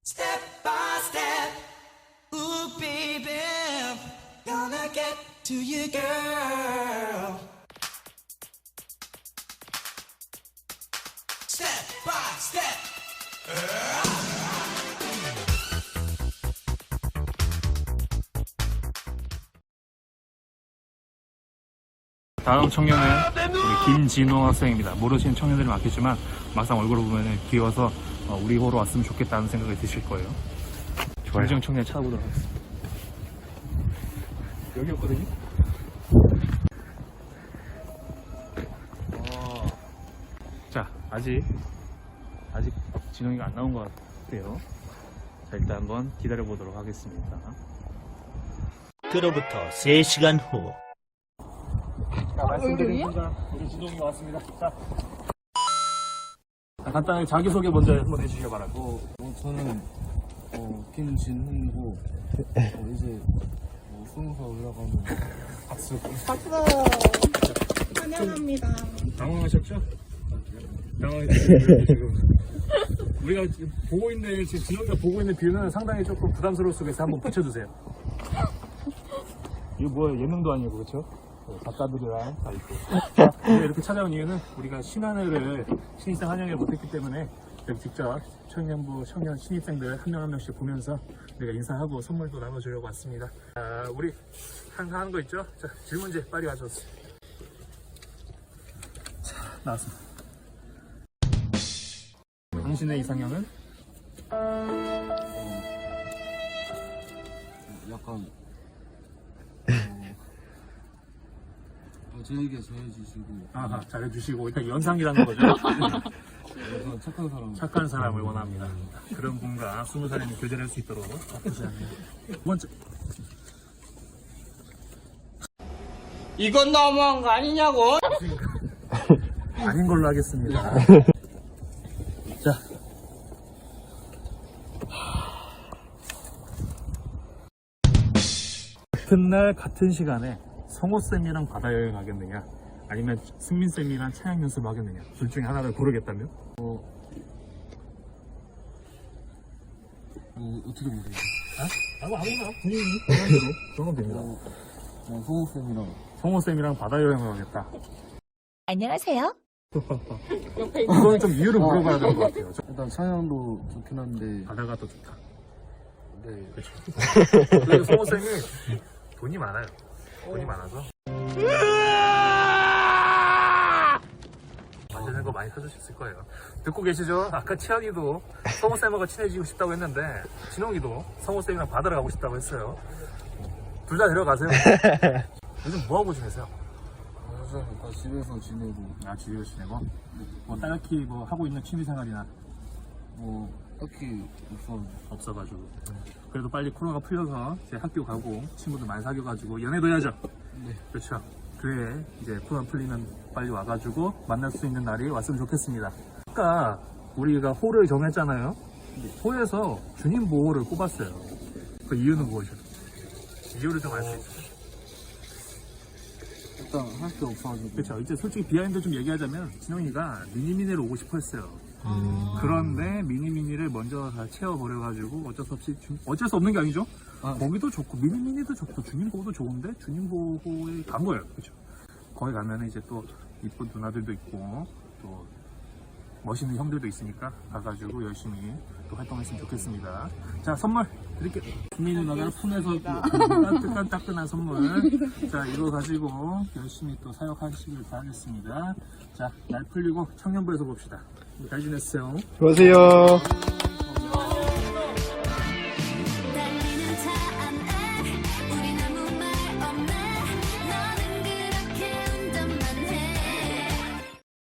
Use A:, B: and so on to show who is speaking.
A: Step by step, ooh baby, gonna get to you, girl. Step by step.
B: 다음 청년은 우리 김진호 학생입니다. 모르시는 청년들이 많겠지만 막상 얼굴을 보면 귀여워서 우리 호로 왔으면 좋겠다는 생각이 드실 거예요. 김진호 청년 찾아보도록 하겠습니다. 여기였거든요. 자, 아직 진홍이가 안 나온 것 같아요. 자, 일단 한번 기다려 보도록 하겠습니다.
C: 그로부터 3시간 후.
B: 자, 말씀드립니다. 우리 진홍이가 왔습니다. 자, 간단하게 자기소개 먼저 한번 해주시기 바랍니다.
D: 저는 김진훈이고 이제 20살 올라가면
B: 박수.
E: 환영합니다.
B: 당황하셨죠? 당황했어요. 지금 우리가 지금 보고 있는, 지금 진홍이가 보고 있는 뷰는 상당히 조금 부담스러울 속에서 한번 붙여주세요. 이거 뭐야, 예능도 아니고, 그렇죠? 작가들이랑 다 있고. 자, 우리가 이렇게 찾아온 이유는 우리가 신한회를 신입생 환영회 못했기 때문에 여기 직접 청년부 청년 신입생들 한 명 한 명씩 보면서 우리가 인사하고 선물도 나눠주려고 왔습니다. 자, 우리 항상 하는 거 있죠? 자, 질문지 빨리 가져왔어요. 자, 나왔습니다. 당신의 이상형은?
D: 약간 저에게 잘해주시고
B: 아하, 잘해주시고 일단 연상이라는 거죠.
D: 약간 착한 사람.
B: 착한 사람을 원합니다. 그런 분과 20살이면 교제를 할 수 있도록 나쁘지 않네요. 두 번째,
E: 이건 너무한 거 아니냐고?
B: 아닌 걸로 하겠습니다. 자, 같은 날 같은 시간에 성호쌤이랑 바다여행 하겠느냐, 아니면 승민쌤이랑 차양 연습 하겠느냐, 둘 중에 하나를 고르겠다면?
D: 어떻게 보세요?
B: 아무나 본인이 원하는 대로 정하면 됩니다.
D: 성우쌤이랑
B: 성호쌤이랑 바다여행을 하겠다.
E: 안녕하세요.
B: 이건 좀 이유를 물어봐야 될 것 같아요.
D: 일단 차량도 좋긴 한데
B: 바다가 더 좋다.
D: 네.
B: 그리고 성호쌤이 돈이 많아요. 돈이 많아서 맛있는 거 많이 사주셨을 거예요. 듣고 계시죠? 아까 치현이도 성호쌤하고 친해지고 싶다고 했는데 진홍이도 성호쌤이랑 바다를 가고 싶다고 했어요. 둘 다 데려가세요. 요즘 뭐하고 지내세요?
D: 사실 다 집에서 지내고
B: 아, 집에서 지내고? 뭐 딱히 뭐 하고 있는 취미생활이나
D: 딱히
B: 없어가지고. 그래도 빨리 코로나가 풀려서 이제 학교 가고 친구들 많이 사귀어가지고 연애도 해야죠.
D: 네.
B: 그렇죠. 그래, 이제 코로나 풀리면 빨리 와가지고 만날 수 있는 날이 왔으면 좋겠습니다. 아까 우리가 호를 정했잖아요. 호에서 주님 보호를 뽑았어요. 그 이유는 무엇이죠? 이유를 좀 알 수 있어요.
D: 일단 할 게 없어가지고
B: 그렇죠. 이제 솔직히 비하인드 좀 얘기하자면 진영이가 미니미니를 오고 싶어 했어요. 그런데 미니미니를 먼저 다 채워버려가지고 어쩔 수 없는 게 아니죠. 거기도 좋고 미니미니도 좋고 주님보호도 좋은데 주님보호에 간 거예요. 그렇죠. 거기 가면 이제 또 이쁜 누나들도 있고 또 멋있는 형들도 있으니까 가가지고 열심히 또 활동했으면 좋겠습니다. 자, 선물 드릴게요. 국민 누나가 폰에서 따끈따끈한 선물. 자, 이거 가지고 열심히 또 사역하시길 바라겠습니다. 자, 날 풀리고 청년부에서 봅시다. 잘 지냈어요.
F: 수고하세요.